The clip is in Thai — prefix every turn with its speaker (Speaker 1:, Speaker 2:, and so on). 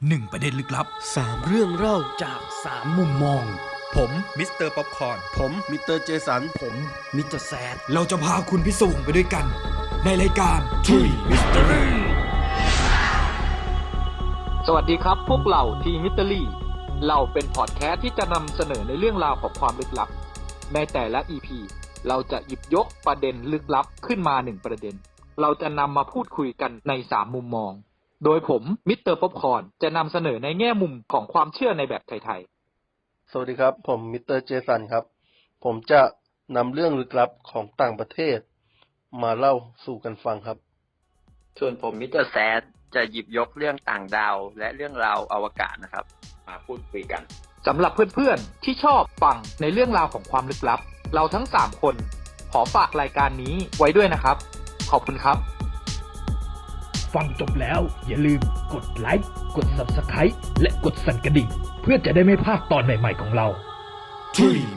Speaker 1: 1 ประเด็นลึกลับ
Speaker 2: 3 เรื่องเล่า
Speaker 3: จาก 3 มุมมอง
Speaker 1: ผมมิสเตอร์ป๊อปคอร์น
Speaker 2: ผมมิสเตอร์เจสัน
Speaker 3: ผมมิสเตอร์แซด
Speaker 1: เราจะพาคุณพิสูจน์ไปด้วยกัน ในรายการ Tree Mystery
Speaker 4: สวัสดีครับพวกเราทีมิสเตอรี่เราเป็นพอดแคสต์ที่จะนำเสนอในเรื่องราวของความลึกลับในแต่ละ EP เราจะหยิบยกประเด็นลึกลับขึ้นมา1ประเด็นเราจะนำมาพูดคุยกันใน3มุมมองโดยผมมิสเตอร์ป๊อปคอร์นจะนำเสนอในแง่มุมของความเชื่อในแบบไทย
Speaker 2: สวัสดีครับผมมิสเตอร์เจสันครับผมจะนำเรื่องลึกลับของต่างประเทศมาเล่าสู่กันฟังครับ
Speaker 5: ส่วนผมมิสเตอร์แซดจะหยิบยกเรื่องต่างดาวและเรื่องราวอวกาศนะครับมาพูดคุยกัน
Speaker 4: ๆสำหรับเพื่อนๆที่ชอบฟังในเรื่องราวของความลึกลับเราทั้ง3คนขอฝากรายการนี้ไว้ด้วยนะครับขอบคุณครับ
Speaker 3: ฟังจบแล้วอย่าลืมกดไลค์กด Subscribe และกดสั่นกระดิ่งเพื่อจะได้ไม่พลาดตอนใหม่ๆของเรา
Speaker 1: Tree